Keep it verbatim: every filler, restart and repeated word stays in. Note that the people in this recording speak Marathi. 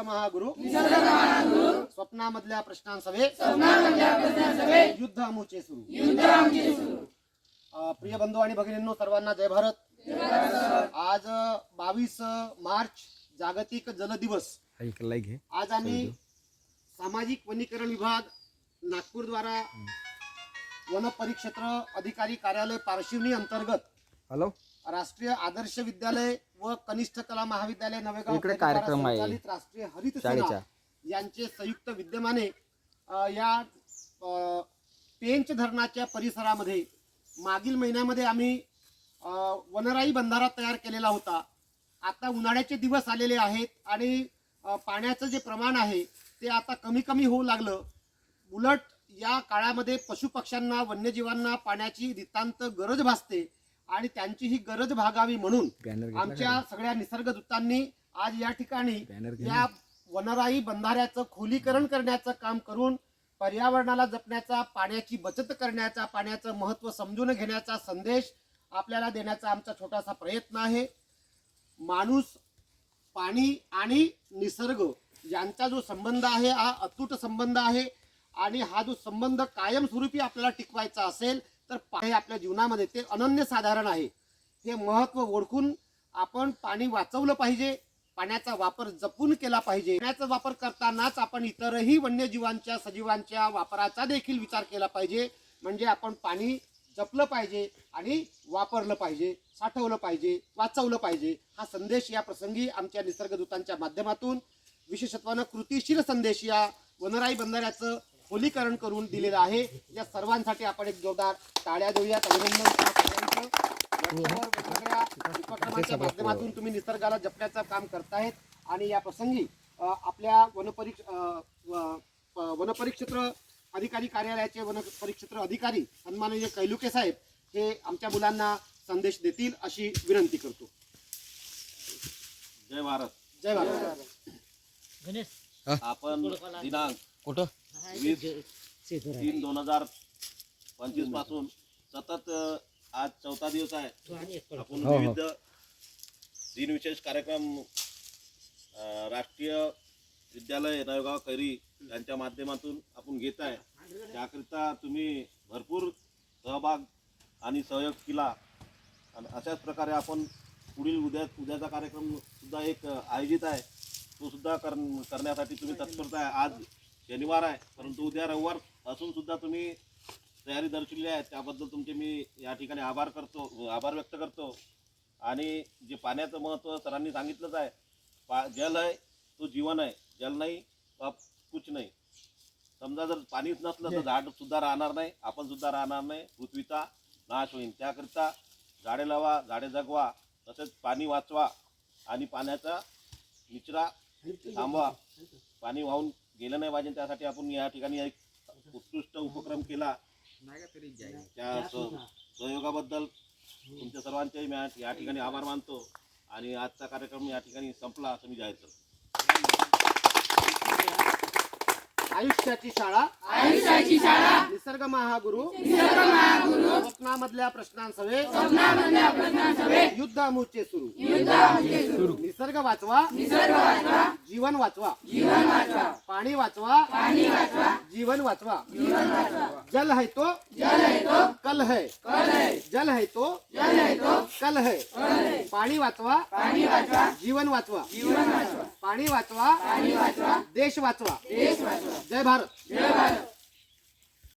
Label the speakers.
Speaker 1: महागुरु स्वप्नामधल्या प्रश्नांसवे युद्ध आमुचे सुरू। प्रिय बंधू आणि भगिनींनो, सर्वांना जय भारत। आज बावीस मार्च जागतिक जल दिवस। आज आम्ही सामाजिक वनीकरण विभाग नागपूर द्वारा वन परिक्षेत्र अधिकारी कार्यालय पारशिवनी अंतर्गत
Speaker 2: हॅलो
Speaker 1: राष्ट्रीय आदर्श विद्यालय व कनिष्ठ कला महाविद्यालय नवेगाव
Speaker 2: इकडे कार्यक्रम आहे
Speaker 1: संचालित राष्ट्रीय हरित सेना यांचे संयुक्त विद्यमाने या पेंच धरणाच्या परिसरामध्ये मागील महिन्यामध्ये आम्ही वनराई बंधारा तयार केलेला होता। आता उन्हाळ्याचे दिवस आलेले आहेत आणि पाण्याचं जे प्रमाण आहे ते आता कमी कमी होऊ लागलं। उलट या काळामध्ये पशुपक्ष्यांना वन्यजीवांना पाण्याची नितांत गरज भासते आणि त्यांची ही गरज भागावी म्हणून आमच्या सगळ्या निसर्गदूतांनी आज या ठिकाणी या वनराई बंधाऱ्याचं खोलीकरण करण्याचं काम करून पर्यावरणाला जपण्याचा, पाण्याची बचत करण्याचा, पाण्याचं महत्त्व समजून घेण्याचा संदेश आपल्याला देण्याचा आमचा छोटासा प्रयत्न आहे। माणूस, पाणी आणि निसर्ग यांचा जो संबंध आहे हा अतूट संबंध आहे आणि हा जो संबंध कायमस्वरूपी आपल्याला टिकवायचा असेल तर पाणी आपल्या जीवनामध्ये ते अनन्यसाधारण आहे। हे महत्त्व ओळखून आपण पाणी वाचवलं पाहिजे, पाण्याचा वापर जपून केला पाहिजे। पाण्याचा वापर करतानाच आपण इतरही वन्यजीवांच्या, सजीवांच्या वापराचा देखील विचार केला पाहिजे। म्हणजे आपण पाणी जपलं पाहिजे आणि वापरलं पाहिजे, साठवलं पाहिजे, वाचवलं पाहिजे। हा संदेश या प्रसंगी आमच्या निसर्गदूतांच्या माध्यमातून विशेषत्वानं कृतीशील संदेश या वनराई बंधाऱ्याचं खोलीकरण करून दिलेलं आहे। या सर्वांसाठी आपण एक जोरदार टाळ्या देऊयात। अभिनंदन। वेगवेगळ्या उपक्रमांच्या माध्यमातून तुम्ही निसर्गाला जपण्याचं काम करतायत आणि या प्रसंगी आपल्या वनपरिक्ष वनपरिक्षेत्र अधिकारी कार्यालयाचे वनपरिक्षेत्र अधिकारी सन्माननीय कैलुके साहेब हे आमच्या मुलांना संदेश देतील अशी विनंती करतो।
Speaker 3: जय भारत।
Speaker 1: जय भारत।
Speaker 3: आपण दिनांक
Speaker 2: कुठं
Speaker 3: वीस तीन दोन हजार पंचवीस पासून सतत आज चौथा दिवस आहे आपण विविध दिनविशेष कार्यक्रम राष्ट्रीय विद्यालय नवेगाव कैरी यांच्या माध्यमातून आपण घेत आहे। त्याकरिता तुम्ही भरपूर सहभाग आणि सहयोग केला आणि अशाच प्रकारे आपण पुढील उद्या उद्याचा कार्यक्रम सुद्धा एक आयोजित आहे तो सुद्धा कर करण्यासाठी तुम्ही तत्परता आहे। आज शनिवार आहे परंतु उद्या रविवार असून सुद्धा तुम्ही तयारी दर्शवली आहे त्याबद्दल तुमचे मी या ठिकाणी आभार करतो आभार व्यक्त करतो। आणि जे पाण्याचं महत्त्व सरांनी सांगितलंच आहे, पा जल आहे तो जीवन आहे, जल नाही तो कुछ नाही। समजा जर पाणीच नसलं तर झाड सुद्धा राहणार नाही, आपण सुद्धा राहणार नाही, पृथ्वीचा नाश होईल। त्याकरिता झाडे लावा, झाडे जगवा, तसेच पाणी वाचवा आणि पाण्याचा निचरा थांबवा, पाणी वाहून गेलं नाही पाहिजे त्यासाठी आपण या ठिकाणी एक उत्कृष्ट उपक्रम केला। त्या सहयोगाबद्दल तुमच्या सर्वांचे मी या ठिकाणी आभार मानतो आणि आजचा कार्यक्रम या ठिकाणी संपला असं मी जाहीर करतो।
Speaker 1: आयुष्याची शाळा
Speaker 4: आयुष्याची शाळा
Speaker 1: निसर्ग महागुरु
Speaker 4: निसर्ग महागुरु
Speaker 1: स्वप्नामधल्या प्रश्नांसवे
Speaker 4: स्वप्नामधल्या प्रश्नांसवे
Speaker 1: युद्ध आमुचे सुरू।
Speaker 4: युद्ध आमुचे सुरू।
Speaker 1: निसर्ग वाचवा,
Speaker 4: निसर्ग वाचवा,
Speaker 1: जीवन वाचवा,
Speaker 4: जीवन वाचवा,
Speaker 1: पाणी वाचवा,
Speaker 4: पाणी वाचवा,
Speaker 1: जीवन वाचवा।
Speaker 4: जीवन वाचवा।
Speaker 1: जल है तो
Speaker 4: जल है तो
Speaker 1: कल है,
Speaker 4: कल है,
Speaker 1: जल है तो
Speaker 4: जल है तो
Speaker 1: कल है,
Speaker 4: कल है,
Speaker 1: पाणी वाचवा,
Speaker 4: पाणी वाचवा,
Speaker 1: जीवन वाचवा,
Speaker 4: जीवन वाचवा,
Speaker 1: पाणी वाचवा,
Speaker 4: पाणी वाचवा,
Speaker 1: देश वाचवा।
Speaker 4: देश वाचवा।
Speaker 1: जय भारत।
Speaker 4: जय भारत।